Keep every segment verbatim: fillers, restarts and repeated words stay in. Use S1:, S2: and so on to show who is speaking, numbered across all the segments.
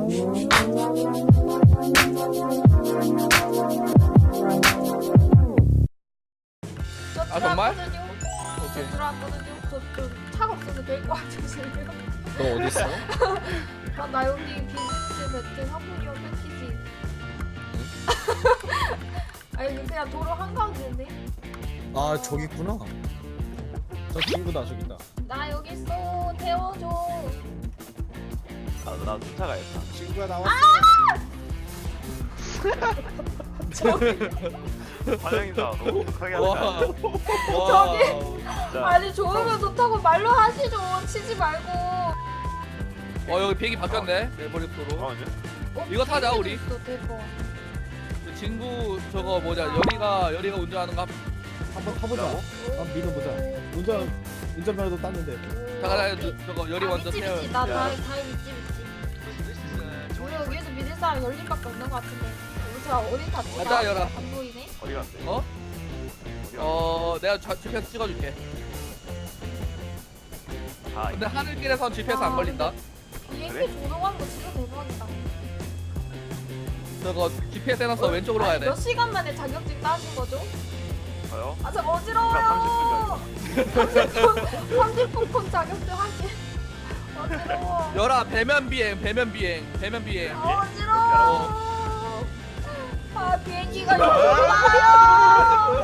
S1: 저
S2: 아, 정말?
S1: 들어왔거든요.
S2: 오케이.
S1: 저 들어왔거든요. 저좀 차가 없어서 데리고 와주실래요?
S3: 너 어디 있어?
S1: 아, 나 여기 비즈니스 매트 상품료 패키지. 아니 그냥 도로 한가운데인데?
S3: 아 저기 있구나. 저 친구다 저기 있다.
S1: 나 여기 있어. 태워줘.
S4: 나도 나도 쫓아가야겠다.
S3: 친구야 나왔어.
S4: 환영이다. 너무 독하게
S2: 와.
S4: 한다.
S2: 와.
S4: 진짜.
S1: 아니 좋으면 좋다고 말로 하시죠. 치지 말고.
S2: 어 여기 비행기 바뀌었네. 레버리프로.
S4: 잠깐만요.
S1: 어,
S2: 이거 타자,
S1: 비행기도
S2: 우리.
S1: 있어, 대박.
S2: 그 친구 저거 뭐냐 열이가 열이가 운전하는 거.
S3: 한번 타보자. 한번 믿어보자. 운전 운전면허도 땄는데.
S2: 잠깐 저거 열이
S1: 아,
S2: 먼저
S1: 믿지,
S2: 태워.
S1: 믿지. 나
S4: 야.
S1: 다이 다이 믿지 믿지. 우리 여기에서 믿을 사람 열림밖에 없는 것 같은데. 우리 저 어디 탔지?
S2: 가자,
S1: 나
S2: 열아.
S1: 안 보이네.
S4: 어디 갔대?
S2: 어?
S4: 어디 갔대?
S2: 어 내가 좌- 지피에스 찍어줄게.
S4: 아,
S2: 근데 하늘길에선 지피에스 안
S1: 아,
S2: 걸린다.
S1: 비행기
S4: 그래?
S1: 조종하는 거 진짜 대박이다.
S2: 저거 지피에스 해놨어. 왼쪽으로 가야
S1: 아니,
S2: 돼.
S1: 몇 시간 만에 자격증 따신 거죠?
S4: 저요?
S1: 아, 저 어지러워요. 삼십 분, 삼십 분 콘 자격증 하기. 어지러워.
S2: 열아 배면 비행 배면 비행 배면 비행.
S1: 아, 어지러워. 아, 비행기가 여기 와요.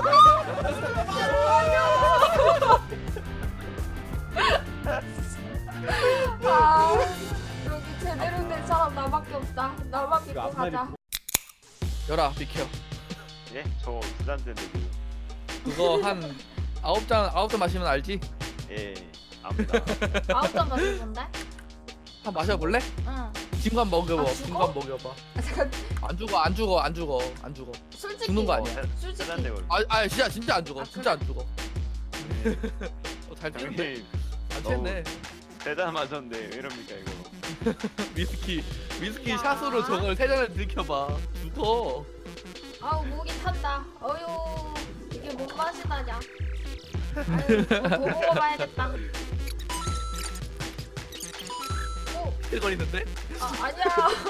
S1: 아, 여기 제대로 된 사람 나밖에 없다. 나만 믿고
S3: 이거 앞날이
S1: 가자.
S2: 열아 비켜.
S4: 예? 저 부산대인데 지금.
S2: 그거 한 아홉 잔 아홉 잔 마시면 알지?
S4: 예. 압니다.
S1: 아홉 잔 마실 건데?
S2: 한 마셔볼래?
S1: 응.
S2: 친구 한 먹여봐.
S1: 아,
S2: 친구
S1: 죽어?
S2: 한 먹여봐.
S1: 아, 잠깐.
S2: 안 죽어 안 죽어 안 죽어 안 죽어.
S1: 솔직히.
S2: 죽는 거 아니야?
S1: 솔직히.
S4: 부산대 걸.
S2: 아, 아 진짜 진짜 안 죽어.
S1: 아,
S2: 진짜 안 죽어. 어, 잘 뛰는데
S4: 형님
S2: 안
S4: 너무-
S2: 쳤네.
S4: 세잔 마셨는데 왜 이럽니까 이거?
S2: 위스키 위스키
S1: 야.
S2: 샷으로 저걸 세 잔을 들켜봐. 죽어.
S1: 아우 목이 탄다. 어휴 이게 뭔 맛이다냐. 아유 더 먹어봐야겠다. 오,
S2: 틀거리는데?
S1: 아 아니야.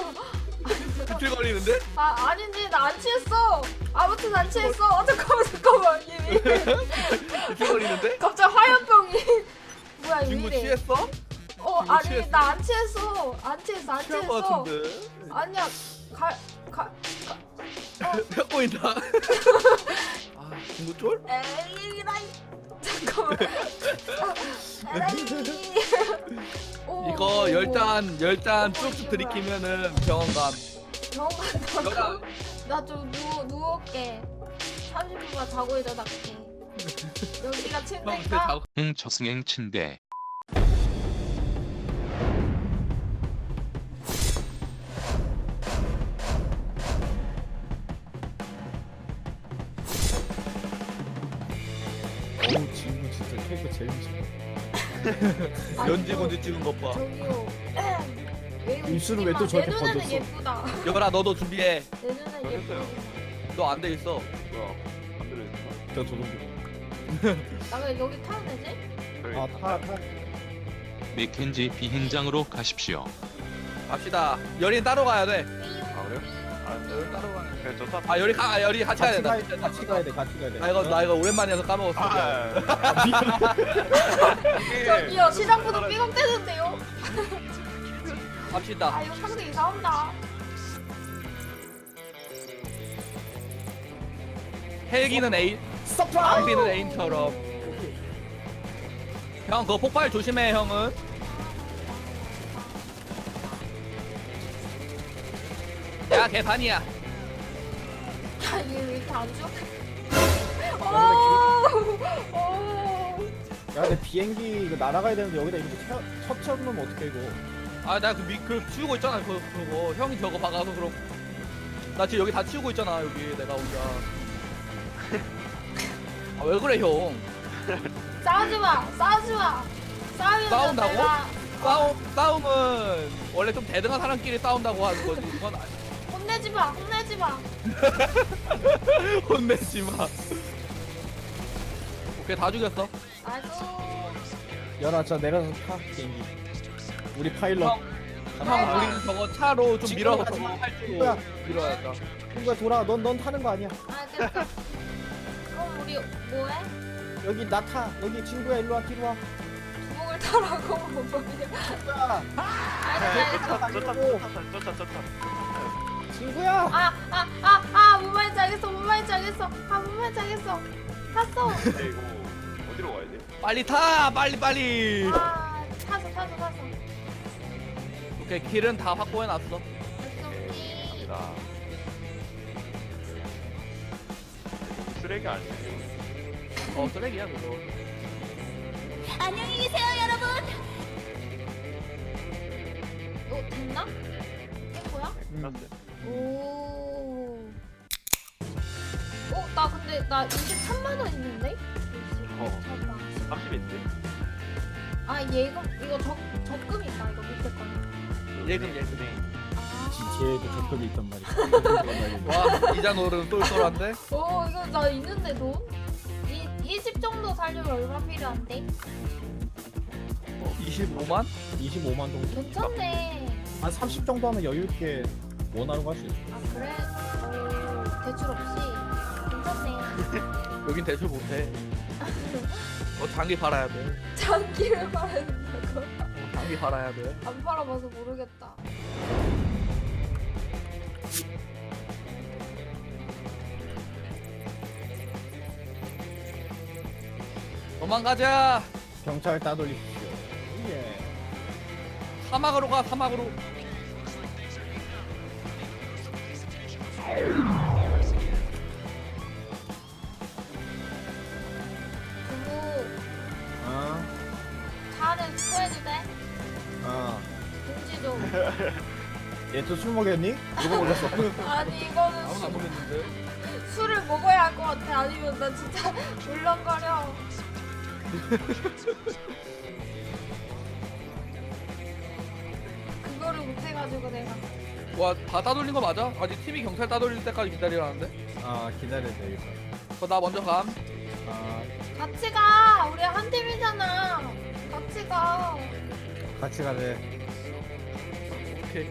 S2: 틀거리는데?
S1: 아 아닌데 나 안 취했어. 아무튼 안 취했어. 어, 잠깐만 잠깐만 이미.
S2: 틀거리는데?
S1: 갑자기 화염병이. 뭐야
S2: 친구
S1: 이래.
S2: 취했어?
S1: 어
S2: 친구
S1: 아니
S2: 취했어?
S1: 나 안 취했어. 안 취했어 안
S2: 취한 거
S1: 취했어.
S2: 같은데?
S1: 아니야 가가
S2: 펴 보인다. 아 친구 쫄?
S1: 에이라이 잠깐만. 에라이. 오,
S2: 이거
S1: 오,
S2: 열 잔 열 잔 쭉쭉 들이키면은 병원 감.
S1: 병원
S2: 열아.
S1: 간다고. 나좀 누워 누울게. 삼십 분만 자고 일어날게. 여기가
S2: 형
S1: 침대인가?
S2: 자고.
S5: 응 저승행 침대
S3: 어우 친구 진짜 캐릭터 제일 무서워.
S1: 아니,
S2: 연지곤지 찍은 것 봐.
S1: 저기요. 왜
S3: 입술을 왜또
S1: 웃기만.
S3: 저렇게
S1: 내 눈에는
S3: 번졌어?
S1: 예쁘다.
S2: 열아 너도 준비해.
S1: 내 눈에는
S4: 알겠어요.
S1: 예쁘다.
S2: 너 안 돼 있어.
S4: 뭐야? 안 들어있어?
S3: 저 조종기.
S1: 나 그냥 여기 타면 되지?
S4: 저기
S3: 아타 타.
S5: 맥켄지 비행장으로 가십시오.
S2: 갑시다. 열이 따로 가야 돼.
S4: 아 그래요? 아
S2: 열이 따로 가야 돼.
S4: 그냥 저 타.
S2: 아 열이 가 아, 열이 같이 가야
S3: 같이
S2: 된다.
S3: 가야 같이 가야 돼 같이 가야 돼.
S2: 나 이거 나 이거 오랜만에 해서 까먹었어.
S4: 아, 이게
S1: 저기요 시작부터 삐걱대는데요?
S2: 갑시다.
S1: 아 이거 상대 이상한다.
S2: 헬기는 에인,
S3: 서프라이즈.
S2: 낭비는 에인처럼. 형 그거 폭발 조심해 형은. 야 개판이야.
S1: 야 이게 왜 이렇게 안 줘? 오, 오.
S3: 야 근데 비행기 이거 날아가야 되는데 여기다 이렇게 쳐- 처치하고 놓으면 어떡해 이거.
S2: 아 나 그 미 그 치우고 있잖아 그 그거 형이 저거 박아서 그럼. 나 지금 여기 다 치우고 있잖아 여기 내가 혼자. 아 왜 그래 형?
S1: 싸우지 마, 싸우지 마. 싸우면
S2: 싸운다고?
S1: 내가
S2: 싸움 싸움은 원래 좀 대등한 사람끼리 싸운다고 하는 거지. 그건 아니.
S1: 혼내지 마, 혼내지 마.
S2: 혼내지 마. 오케이 다 죽였어.
S1: 아이고.
S3: 열아 자 내려서 타 비행기. 우리 파일럿.
S2: 형, 형 우리 저거 차로 좀 밀어서
S3: 가지 마.
S2: 저거 팔
S3: 뭐야?
S2: 줄 밀어야겠다.
S3: 친구야 돌아. 넌 넌 타는 거 아니야.
S1: 알겠어. 그럼 우리 뭐해?
S3: 여기 나 타. 여기 친구야 일로 와 뒤로 와.
S1: 두목을 타라고 뭐냐?
S3: 친구야.
S1: 알겠어, 알겠어.
S4: 쫓아 쫓아 쫓아 쫓아.
S3: 친구야.
S1: 아, 아, 아, 아, 뭔 말인지 알겠어, 뭔 말인지 알겠어. 아, 뭔 말인지 알겠어. 탔어.
S4: 근데 이거 어디로 가야 돼?
S2: 빨리 타 빨리 빨리.
S1: 아, 탔어, 탔어, 탔어.
S2: 오케이 길은 다 확보해놨어.
S1: 오케이.
S4: 갑니다. 너무 쓰레기 아니야 이거?
S2: 어 쓰레기야 그거.
S1: 안녕히 계세요, 여러분. 어, 됐나? 된 거야?
S4: 끝났어요.
S1: 오. 어, 나 근데 나 이십삼만 원 있는데?
S4: 어.
S1: 잠깐만.
S4: 삼십인데?
S1: 아, 예금 이거 적 적금 있다. 이거 밑에 거는.
S2: 예금 예금.
S1: 아.
S3: 지체에도 적금이 있단 말이야.
S2: 와 이자 노름 똘똘한데?
S1: 오, 이거 나 있는데 돈? 이 이십 정도 살려면 얼마 필요한데?
S2: 어, 이십오만?
S3: 이십오만 정도.
S1: 괜찮네.
S3: 한 삼십 정도 하면 여유 있게 원하는 거 할 수 있어.
S1: 아, 그래? 오, 대출 없이 괜찮네.
S2: 여긴 대출 못해. 어 장기 팔아야 돼.
S1: 장기를 팔아야 된다고?
S2: 어, 장기 팔아야 돼.
S1: 안 팔아봐서 모르겠다.
S2: 도망가자.
S3: 경찰 따돌리십시오. 예.
S2: 사막으로 가 사막으로.
S1: 그리고
S3: 아,
S1: 차는 투어해도 돼?
S3: 아.
S1: 공지 좀.
S3: 얘 또 술 먹였니? 누가 먹였어?
S1: 아니, 이거는
S2: 아무도 안 보겠는데.
S1: 수, 술을 먹어야 할 것 같아. 아니면 나 진짜 울렁거려. 그거를 못해가지고 내가.
S2: 와다 따돌린 거 맞아? 아직 팀이 경찰 따돌릴 때까지 기다리라는데?
S3: 아, 기다려야 되겠어.
S2: 그거 나 먼저 감.
S3: 아,
S1: 같이 가. 우리 한 팀이잖아. 같이 가.
S3: 같이 가래.
S2: 오케이.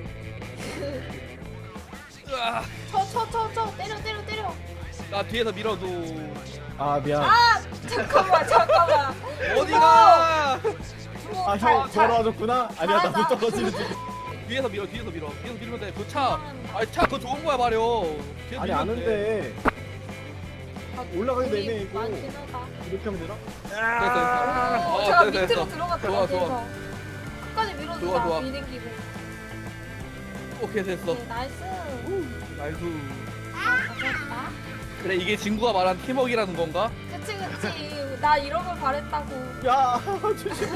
S2: 으아,
S1: 쳐, 쳐, 쳐, 쳐. 때려, 때려, 때려.
S2: 나 뒤에서 밀어도.
S3: 아, 미안.
S1: 아, 잠깐만, 잠깐만.
S2: 어디가?
S1: 주먹
S3: 아,
S1: 잘-
S3: 형
S1: 잘-
S3: 돌아와줬구나? 아니야, 나도
S1: 잘한다.
S3: 떨어지는 중.
S2: 뒤에서 밀어 뒤에서 밀어 뒤에서 밀면 돼. 그 차. 아니 차 그거 좋은 거야 말이오. 뒤에서
S3: 아니,
S2: 밀면
S3: 아는데. 올라가기
S1: 우리
S3: 내내 이거.
S1: 많긴 하다.
S3: 이렇게 하면 되나?
S2: 됐어 됐어.
S1: 오,
S2: 어,
S1: 제가
S2: 됐어,
S1: 밑으로
S2: 됐어.
S1: 들어갔다.
S2: 좋아,
S1: 그래서
S2: 좋아.
S1: 끝까지 밀어주자.
S2: 좋아, 좋아.
S1: 미댕기고.
S2: 오케이 됐어.
S1: 네, 나이스.
S2: 나이스.
S1: 가졌다.
S2: 그래 이게 친구가 말한 팀워크라는 건가?
S1: 그치, 그치. 나 이런 걸 바랬다고.
S3: 야, 조심.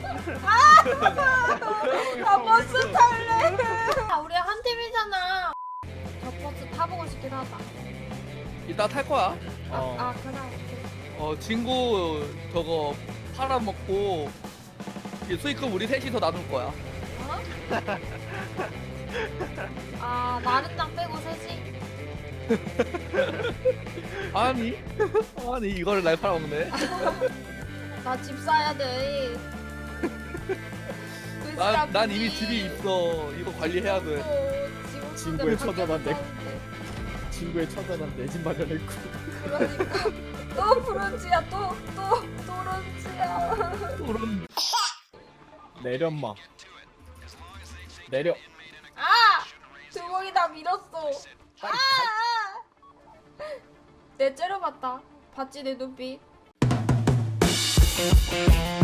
S1: 나 버스 탈래. 아, 우리 한 팀이잖아. 저 버스 타보고 싶긴 하다.
S2: 이따 탈 거야.
S3: 어.
S1: 아, 그래. 오케이.
S2: 어 친구 저거 팔아먹고 이 수익금 우리 셋이서 나눌 거야.
S1: 어? 아, 나른당 빼고 셋이?
S2: 아니 아니 이거를 날 팔아먹네.
S1: 나 집 사야 돼.
S2: 난, 난 이미 집이 있어. 이거 관리해야 돼.
S1: 어,
S3: 친구의 처자만 내- 친구의 처자는 내 집 마련했고.
S1: 그러니까 또 브론즈야, 또 또 브론즈야.
S2: 그런
S3: 내렸마. 내려.
S1: 아! 두목이 나 밀었어. 아! 내 째려봤다. 봤지 내 눈빛.